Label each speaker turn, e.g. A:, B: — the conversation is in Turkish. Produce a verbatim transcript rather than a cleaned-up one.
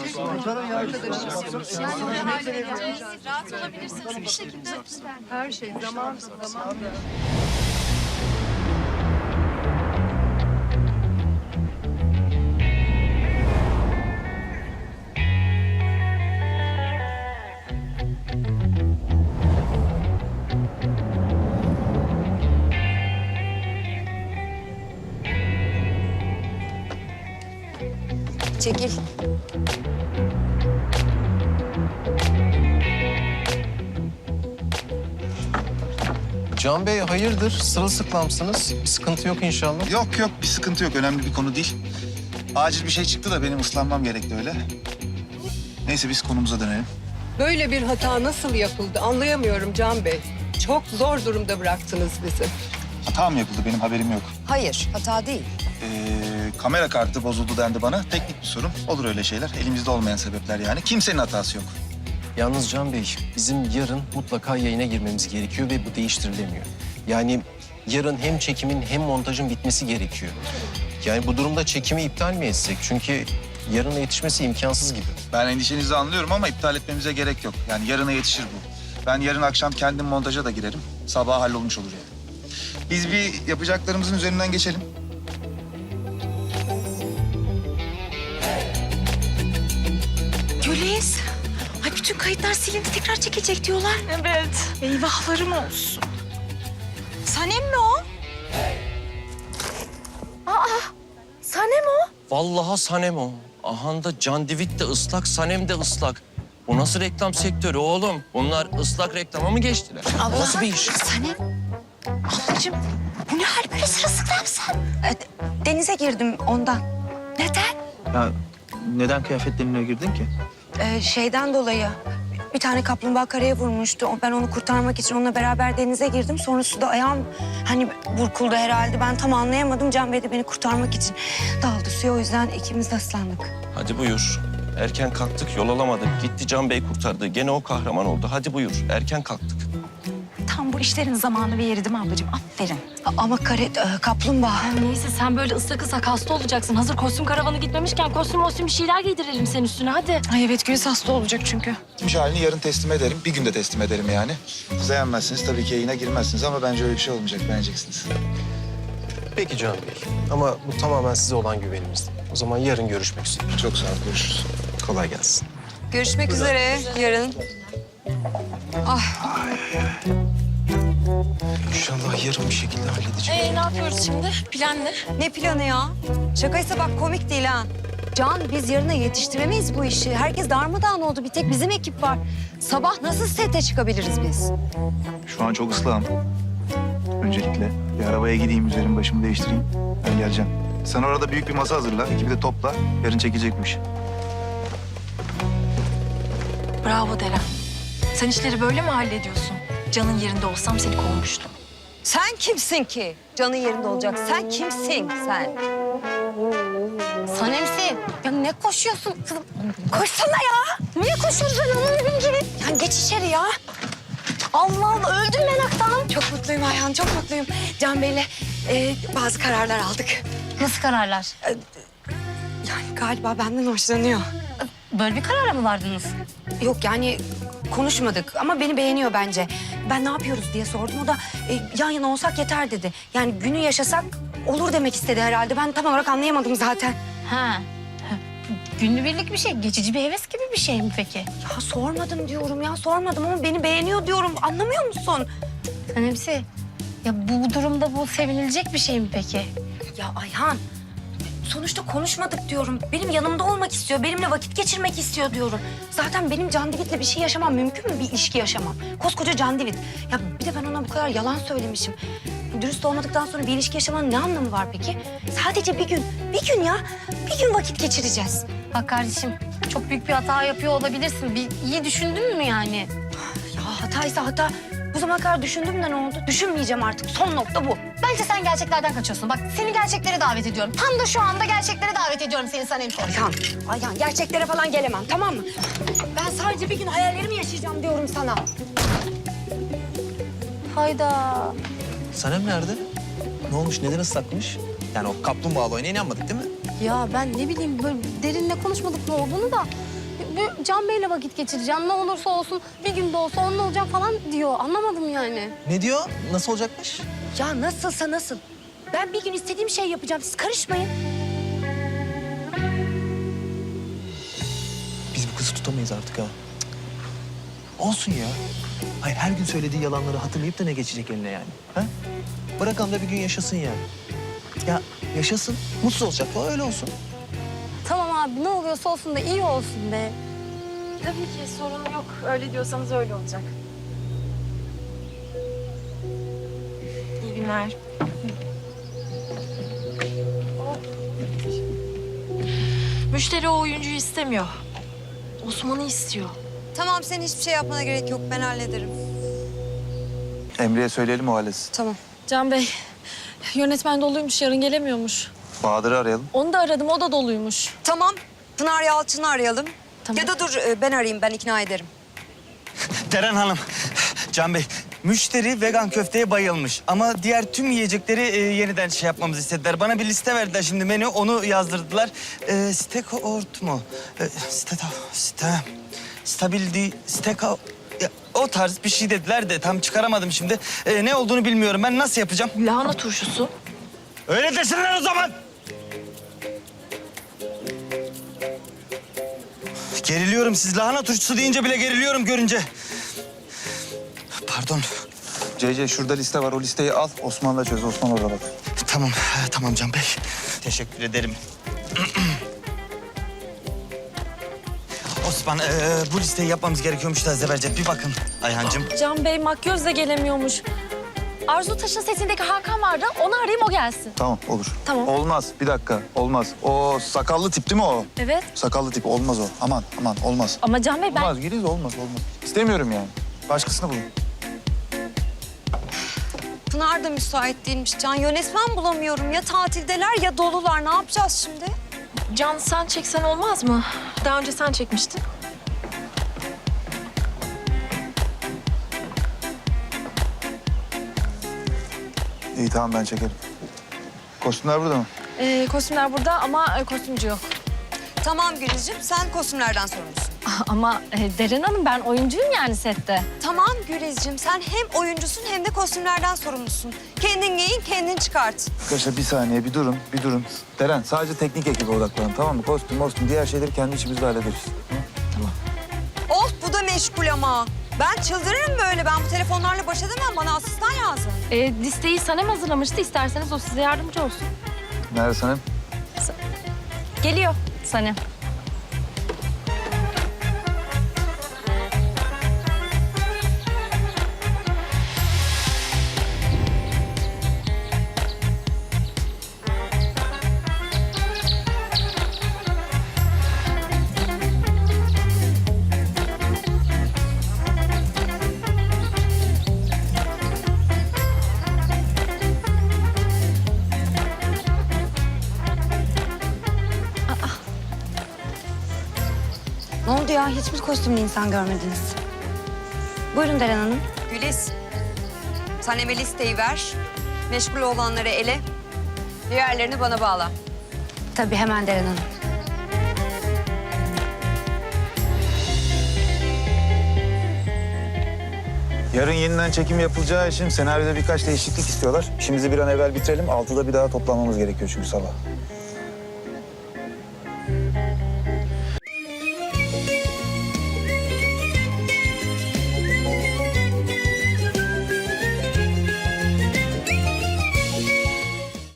A: Rahat olabilirsiniz bir şekilde.
B: Her şey zaman zaman.
C: Çekil.
D: Can Bey hayırdır? Sırılsıklamsınız. Bir sıkıntı yok inşallah.
E: Yok yok bir sıkıntı yok. Önemli bir konu değil. Acil bir şey çıktı da benim ıslanmam gerekti öyle. Neyse biz konumuza dönelim.
B: Böyle bir hata nasıl yapıldı anlayamıyorum Can Bey. Çok zor durumda bıraktınız bizi.
E: Hata mı yapıldı benim haberim yok.
C: Hayır, hata değil.
E: Ee, kamera kartı bozuldu dendi bana. Teknik bir sorun. Olur öyle şeyler. Elimizde olmayan sebepler yani. Kimsenin hatası yok.
D: Yalnız Can Bey, bizim yarın mutlaka yayına girmemiz gerekiyor ve bu değiştirilemiyor. Yani yarın hem çekimin hem montajın bitmesi gerekiyor. Yani bu durumda çekimi iptal mi etsek? Çünkü yarına yetişmesi imkansız gibi.
E: Ben endişenizi anlıyorum ama iptal etmemize gerek yok. Yani yarına yetişir bu. Ben yarın akşam kendim montaja da girerim. Sabah hallolmuş olur yani. Biz bir yapacaklarımızın üzerinden geçelim.
A: Güliz. Ay bütün kayıtlar silindi tekrar çekilecek diyorlar. Evet. Eyvahlarım olsun. Sanem mi o? Aa, Sanem o.
D: Vallahi Sanem o. Ahanda Can Divit de ıslak, Sanem de ıslak. Bu nasıl reklam sektörü oğlum? Bunlar ıslak reklama mı geçtiler? Bu nasıl bir iş?
A: Sanem. Ablacığım bu ne hal böyle sırılsıklamsın?
C: Denize girdim ondan.
A: Neden?
E: Ya neden kıyafetlerinle girdin ki?
C: Ee, şeyden dolayı bir tane kaplumbağa karaya vurmuştu. O- Ben onu kurtarmak için onunla beraber denize girdim. Sonra suda ayağım hani burkuldu herhalde. Ben tam anlayamadım. Can Bey de beni kurtarmak için daldı suya. O yüzden ikimiz de ıslandık.
D: Hadi buyur. Erken kalktık, yol alamadık. Gitti Can Bey kurtardı. Gene o kahraman oldu. Hadi buyur. Erken kalktık.
A: Tam bu işlerin zamanı ve yeri değil mi ablacığım? Aferin.
C: A- Ama kare, e, kaplumbağa.
F: Neyse sen böyle ıslak ıslak hasta olacaksın. Hazır kostüm karavanı gitmemişken kostüm kostüm bir şeyler giydirelim senin üstüne hadi.
A: Ay evet Güliz hasta olacak çünkü.
E: Gitmiş halini yarın teslim ederim. Bir günde teslim ederim yani. Siz beğenmezsiniz tabii ki yayına girmezsiniz ama bence öyle bir şey olmayacak. Beğeneceksiniz.
D: Peki Can Bey. Ama bu tamamen size olan güvenimiz. O zaman yarın görüşmek üzere.
E: Çok sağ ol. Görüşürüz.
D: Kolay gelsin.
C: Görüşmek üzere yarın.
D: İnşallah yarın bir şekilde halledeceğim.
F: Ee ne yapıyoruz şimdi? Plan ne?
C: Ne planı ya? Şakaysa bak komik değil ha. Can biz yarına yetiştiremeyiz bu işi. Herkes darmadağın oldu. Bir tek bizim ekip var. Sabah nasıl sete çıkabiliriz biz?
E: Şu an çok ıslahım. Öncelikle bir arabaya gideyim, üzerimi başımı değiştireyim. Ben geleceğim. Sen orada büyük bir masa hazırla, ekibi de topla. Yarın çekecekmiş.
F: Bravo Deren. Sen işleri böyle mi hallediyorsun? Can'ın yerinde olsam seni kovmuştum.
C: Sen kimsin ki? Canın yerinde olacak. Sen kimsin sen?
F: Sanemsi. Ya ne koşuyorsun kızım?
C: Koşsana ya. Niye koşuyorsun sen onun gibi? Ya geç içeri ya. Allah Allah öldüm meraktan. Çok mutluyum Ayhan, çok mutluyum. Can Bey'le e, bazı kararlar aldık.
F: Nasıl kararlar?
C: Yani galiba benden hoşlanıyor.
F: Böyle bir karara mı vardınız?
C: Yok yani konuşmadık ama beni beğeniyor bence. Ben ne yapıyoruz diye sordum. O da e, yan yana olsak yeter dedi. Yani günü yaşasak olur demek istedi herhalde. Ben tam olarak anlayamadım zaten.
F: Ha. Günübirlik bir şey, geçici bir heves gibi bir şey mi peki?
C: Ya sormadım diyorum ya sormadım ama beni beğeniyor diyorum. Anlamıyor musun?
F: Sanemsi. Ya bu durumda bu sevinilecek bir şey mi peki?
C: Ya Ayhan sonuçta konuşmadık diyorum. Benim yanımda olmak istiyor. Benimle vakit geçirmek istiyor diyorum. Zaten benim Can Divit'le bir şey yaşamam mümkün mü? Bir ilişki yaşamam. Koskoca Can Divit. Ya bir de ben ona bu kadar yalan söylemişim. Dürüst olmadıktan sonra bir ilişki yaşamanın ne anlamı var peki? Sadece bir gün, bir gün ya. Bir gün vakit geçireceğiz.
F: Bak kardeşim, çok büyük bir hata yapıyor olabilirsin. Bir iyi düşündün mü yani?
C: Ya hataysa hata. Bu zamana kadar düşündüm de ne oldu? Düşünmeyeceğim artık. Son nokta bu.
F: Bence sen gerçeklerden kaçıyorsun. Bak seni gerçeklere davet ediyorum. Tam da şu anda gerçeklere davet ediyorum seni Sanemsi.
C: Ayhan, Ayhan gerçeklere falan gelemem tamam mı? Ben sadece bir gün hayallerimi yaşayacağım diyorum sana.
F: Hayda.
G: Sanem nerede? Ne olmuş, neden ıslakmış? Yani o kaplumbağalı oyuna inanmadık değil mi? Ya ben ne bileyim böyle derinle konuşmadık ne olduğunu da. Bu Can Bey'le vakit geçireceğim. Ne olursa olsun bir gün de olsa onunla olacağım falan diyor. Anlamadım yani.
H: Ne diyor? Nasıl olacakmış?
C: Ya nasılsa nasıl. Ben bir gün istediğim şeyi yapacağım. Siz karışmayın.
H: Biz bu kızı tutamayız artık ha. Cık. Olsun ya. Hayır, her gün söylediği yalanları hatırlayıp da ne geçecek eline yani? Ha? Bırakalım da bir gün yaşasın yani. Ya yaşasın, mutsuz olacak falan, öyle olsun.
G: Tamam abi ne oluyorsa olsun da iyi olsun be.
F: Tabii ki sorun yok. Öyle diyorsanız öyle olacak. İyi günler. Müşteri o oyuncuyu istemiyor. Osman'ı istiyor.
A: Tamam sen hiçbir şey yapmana gerek yok. Ben hallederim.
E: Emre'ye söyleyelim o halletsin.
A: Tamam.
I: Can Bey, yönetmen doluymuş, yarın gelemiyormuş.
E: Bahadır'ı arayalım.
I: Onu da aradım, o da doluymuş.
A: Tamam. Pınar Yalçın'ı arayalım.
I: Tamam.
A: Ya da dur e, ben arayayım. Ben ikna ederim.
J: Deren Hanım, Can Bey, müşteri vegan köfteye bayılmış. Ama diğer tüm yiyecekleri e, yeniden şey yapmamızı istediler. Bana bir liste verdiler şimdi menü, onu yazdırdılar. E, steak ort mu? E, steak, steak, stabildi, steak, ya, o tarz bir şey dediler de tam çıkaramadım şimdi. E, ne olduğunu bilmiyorum. Ben nasıl yapacağım?
F: Lahana turşusu.
J: Öyle desinler o zaman. Geriliyorum. Siz lahana turşusu deyince bile geriliyorum görünce. Pardon.
E: C C şurada liste var. O listeyi al. Osman'la çöz. Osman orada bak.
J: Tamam, tamam Can Bey. Teşekkür ederim. Osman, ee, bu listeyi yapmamız gerekiyormuş da Zebercet. Bir bakın Ayhancığım.
I: Can Bey makyöz de gelemiyormuş. Arzu Taş'ın sesindeki Hakan vardı, onu arayayım o gelsin.
E: Tamam olur.
I: Tamam.
E: Olmaz. Bir dakika. Olmaz. O sakallı tip değil mi o?
I: Evet.
E: Sakallı tip. Olmaz o. Aman aman olmaz.
I: Ama Can Bey ben...
E: Olmaz. Giriz olmaz olmaz. İstemiyorum yani. Başkasını bulun.
A: Pınar da müsait değilmiş Can. Yönetmen bulamıyorum. Ya tatildeler ya dolular. Ne yapacağız şimdi?
F: Can sen çeksen olmaz mı? Daha önce sen çekmiştin.
E: İyi tamam ben çekerim. Kostümler burada mı?
I: Ee, kostümler burada ama e, kostümcü yok.
A: Tamam Gülizciğim. Sen kostümlerden sorumlusun.
I: Ama e, Deren Hanım ben oyuncuyum yani sette.
A: Tamam Gülizciğim. Sen hem oyuncusun hem de kostümlerden sorumlusun. Kendin giyin, kendin çıkart.
E: Arkadaşlar bir saniye bir durun, bir durun. Deren sadece teknik ekibe odaklanın tamam mı? Kostüm, kostüm diğer şeyleri kendi içimizde hallederiz.
A: Of bu da meşgul ama. Ben çıldırırım böyle. Ben bu telefonlarla baş edemem. Bana asistan lazım.
I: E, listeyi Sanem hazırlamıştı. İsterseniz o size yardımcı olsun.
E: Nerede Sanem?
I: Geliyor Sanem.
C: Ne oldu ya? Hiçbir kostümlü insan görmediniz. Buyurun Deren Hanım.
A: Güliz. Sen Emel listeyi ver. Meşgul olanları ele. Diğerlerini bana bağla.
C: Tabii hemen Deren Hanım.
E: Yarın yeniden çekim yapılacağı için senaryoda birkaç değişiklik istiyorlar. İşimizi bir an evvel bitirelim. Altıda bir daha toplanmamız gerekiyor çünkü sabah.